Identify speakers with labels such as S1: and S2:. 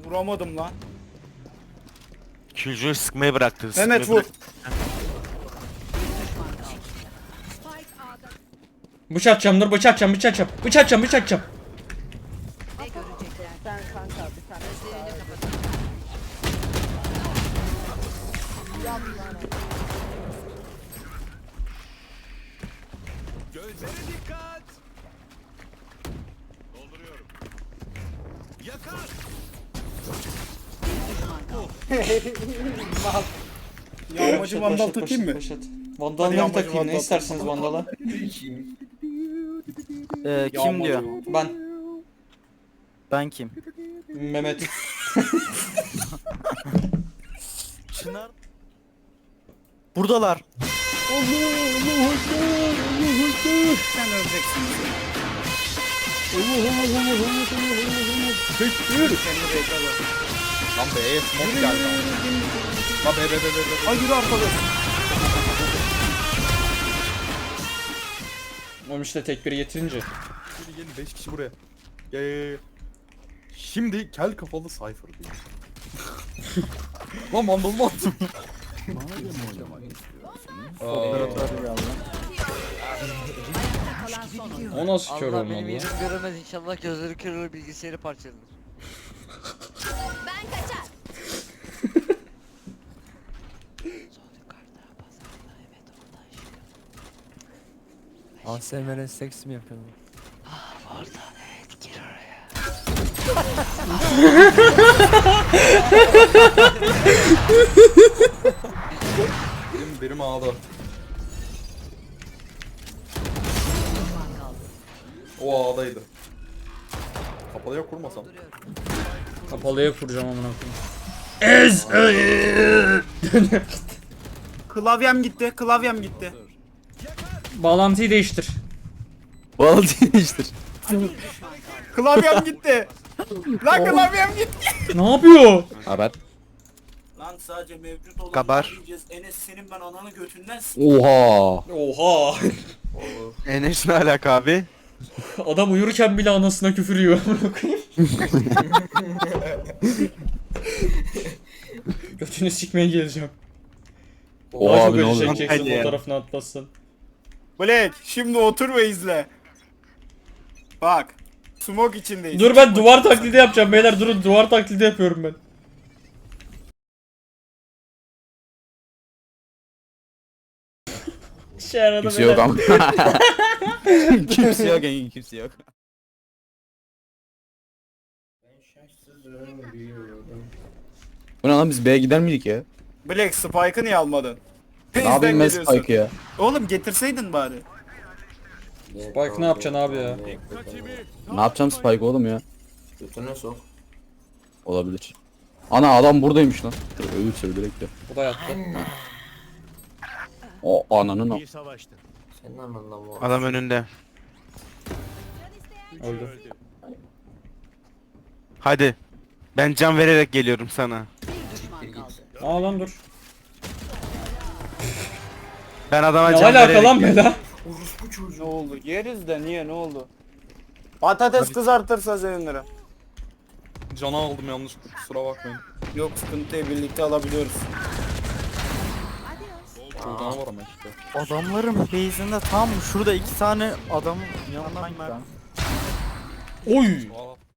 S1: Vuramadım lan.
S2: Killjoy sıkmayı bıraktı.
S1: Mehmet
S2: sıkmayı
S1: vur.
S3: Bıçak atacağım dur, bıçak atacağım, bıçak atacağım. Bıçak atacağım, bıçak atacağım.
S4: Sen kanka bir tane.
S5: Gözlere dikkat. Dolduruyorum. Yakar.
S1: Yağmacı vandal takayım mı?
S3: Vandalları
S1: Hadi
S3: takayım,
S1: yağmacı
S3: ne isterseniz vandala.
S6: Kim
S1: Yağmacı
S6: diyor?
S1: vandal.
S3: Ben.
S6: Ben kim?
S3: Mehmet.
S6: Çınar. Buradalar.
S1: Sen öleceksin. Kendi bekle bak.
S7: Lan B'ye smoke geldi. Lan B.
S1: Ay yürü arkadaş.
S3: Oğlum işte tek biri getirince.
S7: Gelin 5 kişi buraya. Gel. Şimdi kel kafalı Cypher diyor. Lan mandalımı attım.
S6: Operatör geldi.
S3: O nasıl kör
S8: Allah
S3: olmadı
S8: benim
S3: lan?
S8: yerim göremez, inşallah gözleri kırılır, bilgisayarı parçalanır.
S9: Ben kaçar.
S6: ASMR seks mi yapıyorsun?
S8: Oradan evet, gir oraya.
S7: Benim ağda. O ağdaydı. Kapalıya kurmasam.
S3: Kapalıya kuracağım amına koyayım.
S1: Klavyem gitti. Klavyem gitti.
S3: Bağlantıyı değiştir.
S6: Bağlantıyı değiştir.
S1: Klavyem gitti. Lan klavyem gitti.
S3: Ne yapıyor?
S6: Haber.
S1: Lan sadece mevcut olan
S2: Kabar.
S1: diyeceğiz. Enes senin ben ananı götünden
S6: Oha.
S3: Oha.
S2: Enes ne alaka abi?
S3: Adam uyurken bile anasına küfür yiyor. amına koyayım. Götünü sikmeye geleceğim. Daha
S6: Oha
S3: çok
S6: abi ne
S3: acı
S6: oluyor?
S3: çekeceksin
S2: Hadi ya.
S3: fotoğrafını atlasın.
S1: Black şimdi otur ve izle. Bak. Smoke içindeyiz.
S3: Dur ben duvar taklidi yapacağım beyler, durun, duvar taklidi yapıyorum ben. Şey arada
S6: Kimse yok ama.
S7: Kimse yok engin kimse yok.
S6: Bu ne lan, biz B'ye gider miydik ya?
S1: Black Spike'ı niye almadın?
S6: Ne yapayım ben Spike ya?
S1: Oğlum getirseydin bari.
S3: Spike ne yapacaksın abi ya?
S5: Dikkatimi.
S6: Ne yapacağım Spike oğlum ya?
S10: Götüne sok.
S6: Olabilir. Ana adam buradaymış lan. Dur ölürse direkt de.
S3: Bu da yattı.
S6: O ananın o.
S5: İyi savaştın.
S10: Senin ananla bu.
S2: Adam önünde.
S3: Öldü.
S2: Hadi. Ben can vererek geliyorum sana.
S3: Aa lan dur.
S2: Ben adama
S3: Ne
S2: can
S3: alaka
S2: vererek
S3: lan bela?
S1: Ne oldu? Yeriz de niye ne oldu? Patates kızartırsa sevinirim.
S7: Cana aldım yanlışlıkla kusura bakmayın.
S1: Yok sıkıntıyı birlikte alabiliyoruz.
S7: Çok cana var ama işte.
S6: Adamların base'inde tam şurada 2 tane adam yanından ben.
S3: Oy.
S7: Aa,